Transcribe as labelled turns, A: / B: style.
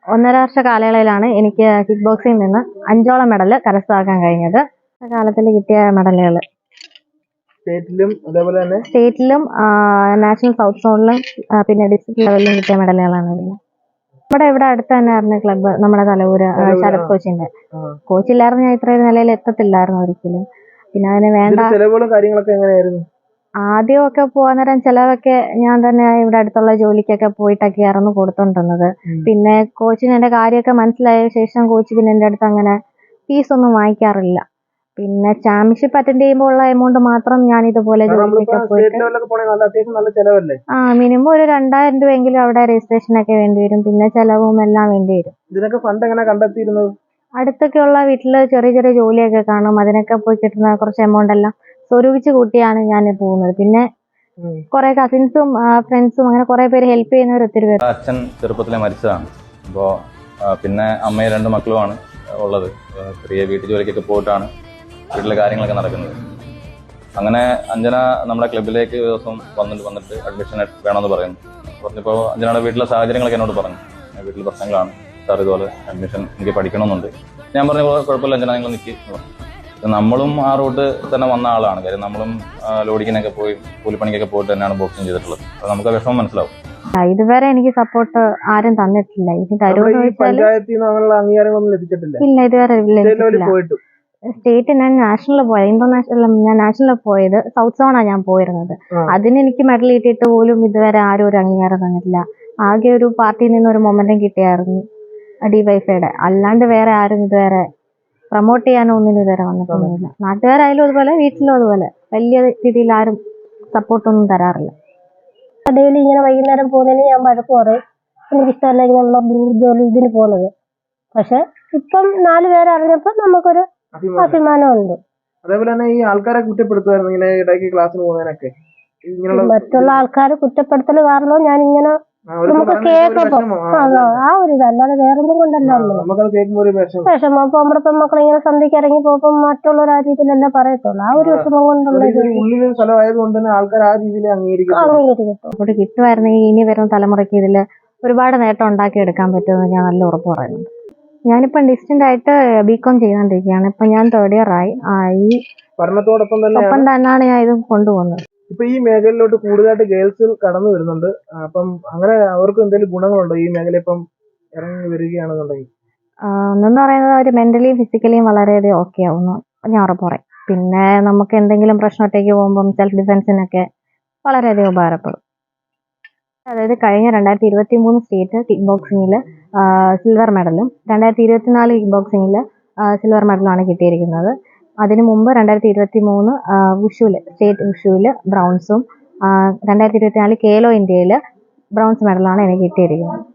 A: 1.5 വർഷ കാലയളവിലാണ് എനിക്ക് കിക്ക് ബോക്സിംഗിൽ നിന്ന് 5ഓളം മെഡൽ കരസ്ഥമാക്കാൻ കഴിഞ്ഞത്. കാലത്തിൽ കിട്ടിയ മെഡലുകൾ സ്റ്റേറ്റിലും നാഷണൽ സൗത്ത് സോണിലും പിന്നെ ഡിസ്ട്രിക്ട് ലെവലിലും കിട്ടിയ മെഡലുകളാണ്. നമ്മുടെ ഇവിടെ അടുത്ത് തന്നെയായിരുന്നു ക്ലബ്ബ്, നമ്മുടെ തലവൂര് ശരത് കോച്ചിന്റെ. കോച്ചില്ലായിരുന്നു ഞാൻ ഇത്രയും നിലയിൽ എത്തത്തില്ലായിരുന്നു ഒരിക്കലും. പിന്നെ അതിന് വേണ്ട ആദ്യമൊക്കെ പോകാൻ നേരം ചിലതൊക്കെ ഞാൻ തന്നെ ഇവിടെ അടുത്തുള്ള ജോലിക്കൊക്കെ പോയിട്ടൊക്കെയായിരുന്നു കൊടുത്തോണ്ടിരുന്നത്. പിന്നെ കോച്ചിന് എന്റെ കാര്യമൊക്കെ മനസ്സിലായ ശേഷം കോച്ച് പിന്നെ എന്റെ അടുത്ത് അങ്ങനെ ഫീസൊന്നും വാങ്ങിക്കാറില്ല. പിന്നെ ചാമ്പ്യൻഷിപ്പ് അറ്റൻഡ് ചെയ്യുമ്പോൾ ഉള്ള എമൗണ്ട് മാത്രം ഞാൻ ഇതുപോലെ ജോലിക്കൊക്കെ പോയിട്ട് മിനിമം ഒരു 2000 രൂപയെങ്കിലും അവിടെ രജിസ്ട്രേഷനൊക്കെ വേണ്ടി വരും. പിന്നെ ചെലവും എല്ലാം വേണ്ടി വരും.
B: ഇതിനൊക്കെ ഫണ്ട് എങ്ങനെ കണ്ടെത്തിയിരുന്നത്?
A: അടുത്തൊക്കെയുള്ള വീട്ടില് ചെറിയ ചെറിയ ജോലിയൊക്കെ കാണും, അതിനൊക്കെ പോയി കിട്ടുന്ന കുറച്ച് എമൗണ്ട് എല്ലാം സ്വരൂപിച്ച് കൂട്ടിയാണ് ഞാൻ പോകുന്നത്. പിന്നെ കുറെ കസിൻസും ഫ്രണ്ട്സും അങ്ങനെ കുറെ പേര് ഹെൽപ്പ് ചെയ്യുന്നവർ ഒത്തിരി പേര്.
C: അച്ഛൻ ചെറുപ്പത്തിലെ മരിച്ചതാണ്. അപ്പോൾ പിന്നെ അമ്മയും 2 മക്കളുമാണ് ഉള്ളത്. ചെറിയ വീട്ടു ജോലിക്കൊക്കെ പോയിട്ടാണ് വീട്ടിലെ കാര്യങ്ങളൊക്കെ നടക്കുന്നത്. അങ്ങനെ അഞ്ജന നമ്മുടെ ക്ലബിലേക്ക് ഒരു ദിവസം വന്നിട്ട് അഡ്മിഷൻ വേണമെന്ന് പറയുന്നു. പറഞ്ഞപ്പോൾ അഞ്ജനയുടെ വീട്ടിലെ സാഹചര്യങ്ങളൊക്കെ എന്നോട് പറഞ്ഞു, വീട്ടിൽ പ്രശ്നങ്ങളാണ് സാർ, ഇതുപോലെ അഡ്മിഷൻ എനിക്ക് പഠിക്കണമെന്നുണ്ട്. ഞാൻ പറഞ്ഞു കുഴപ്പമില്ല അഞ്ജന, നിങ്ങൾ നിൽക്കി. നമ്മളും ആ റൂട്ട് തന്നെ വന്ന ആളാണ്. കാര്യം നമ്മളും ലോഡിങ്ങിനൊക്കെ പോയി കൂലിപ്പണിക്കൊക്കെ പോയിട്ട് തന്നെയാണ് ബോക്സിങ് ചെയ്തിട്ടുള്ളത്. അപ്പോൾ നമുക്ക് ആ വിഷമം മനസ്സിലാവും.
A: ഇതുവരെ എനിക്ക് സപ്പോർട്ട് ആരും തന്നിട്ടില്ല. ഇനി തരുമെന്ന് ചോദിച്ചാൽ ഇല്ല, ഇതുവരെ ലഭിച്ചിട്ടില്ല. സ്റ്റേറ്റ് ഞാൻ നാഷണലിൽ പോയത്, ഇന്റർനാഷണൽ ഞാൻ നാഷണലിൽ പോയത് സൗത്ത് സോണാണ് ഞാൻ പോയിരുന്നത്. അതിന് എനിക്ക് മെഡൽ കിട്ടിയിട്ട് പോലും ഇതുവരെ ആരും ഒരു അംഗീകാരം തന്നിട്ടില്ല. ആകെ ഒരു പാർട്ടിയിൽ നിന്ന് ഒരു മൊമെന്റം കിട്ടിയായിരുന്നു ഡിവൈഫൈയുടെ. അല്ലാണ്ട് വേറെ ആരും ഇതുവരെ പ്രൊമോട്ട് ചെയ്യാനോ ഒന്നിനും ഇതുവരെ വന്നിട്ടൊന്നുമില്ല. നാട്ടുകാരായാലും അതുപോലെ വീട്ടിലും അതുപോലെ വലിയ രീതിയിൽ ആരും സപ്പോർട്ടൊന്നും തരാറില്ല.
D: ഡെയിലി ഇങ്ങനെ വൈകുന്നേരം പോകുന്നതിന് ഞാൻ വഴക്ക് പറയും, എനിക്കിഷ്ടമല്ല ഇങ്ങനെയുള്ള ജോലി ഇതിന് പോകുന്നത്. പക്ഷെ ഇപ്പം 4 പേര് അറിഞ്ഞപ്പോൾ നമുക്കൊരു അഭിമാനമുണ്ട്.
B: അതേപോലെ തന്നെ ഈ ആൾക്കാരെ കുറ്റപ്പെടുത്തുമായിരുന്നു ഇങ്ങനെ ഇടയ്ക്ക് ക്ലാസ്സിന് പോകുന്നതിനൊക്കെ.
D: മറ്റുള്ള ആൾക്കാരെ കുറ്റപ്പെടുത്തൽ കാരണം ഞാൻ ഇങ്ങനെ നമുക്ക് കേൾക്കുമ്പോ ആ ഒരു ഇതല്ലാതെ വേറൊന്നും കൊണ്ടല്ലോ വിഷമം. അപ്പൊ നമ്മുടെ പെൺമക്കൾ ഇങ്ങനെ സന്ധ്യക്ക് ഇറങ്ങി പോകുമ്പോ മറ്റുള്ള ആ രീതിയിലല്ല പറയത്തുള്ളൂ. ആ ഒരു വിഷമം കൊണ്ടുള്ള
A: അങ്ങോട്ട് കിട്ടുമായിരുന്നെങ്കിൽ ഇനി വരുന്ന തലമുറയ്ക്ക് ഇതില് ഒരുപാട് നേട്ടം ഉണ്ടാക്കി എടുക്കാൻ പറ്റുമെന്ന് ഞാൻ നല്ല ഉറപ്പ് പറയുന്നുണ്ട്. ഞാനിപ്പം ഡിസ്റ്റന്റ് ആയിട്ട് ബികോം ചെയ്തുകൊണ്ടിരിക്കുകയാണ്. ഇപ്പൊ ഞാൻ 3rd ഇയർ ആയി. ഈ
B: പഠനത്തോടൊപ്പം
A: തന്നെയാണ് ഞാൻ ഇത് കൊണ്ടുപോകുന്നത്.
B: ഇപ്പൊ ഈ മേഖലയിലോട്ട് കൂടുതലായിട്ട് ഗേൾസ് കടന്നു വരുന്നുണ്ട്. അപ്പം അങ്ങനെ അവർക്ക് എന്തെങ്കിലും ഗുണങ്ങളുണ്ടോ ഈ മേഖല ഇപ്പം ഇറങ്ങി വരികയാണെന്നുണ്ടെങ്കിൽ?
A: ഒന്നെന്ന് പറയുന്നത് അവർ മെന്റലിയും ഫിസിക്കലിയും വളരെയധികം ഓക്കെ ആവുന്നു ഞാൻ ഉറപ്പ് പറയും. പിന്നെ നമുക്ക് എന്തെങ്കിലും പ്രശ്നം ഒറ്റയ്ക്ക് പോകുമ്പം സെൽഫ് ഡിഫെൻസിനൊക്കെ വളരെയധികം ഉപകാരപ്പെടും. അതായത് കഴിഞ്ഞ 2023 സ്റ്റേറ്റ് കിക്ക് ബോക്സിംഗിൽ സിൽവർ മെഡലും 2024 കിക്ക് ബോക്സിംഗിൽ സിൽവർ മെഡലാണ് കിട്ടിയിരിക്കുന്നത്. അതിനു മുമ്പ് 2023 വുഷുവിൽ സ്റ്റേറ്റ് വുഷുവിൽ ബ്രൗൺസും 2024 കേലോ ഇന്ത്യയിൽ ബ്രൗൺസ് മെഡലാണ് എനിക്ക് കിട്ടിയിരിക്കുന്നത്.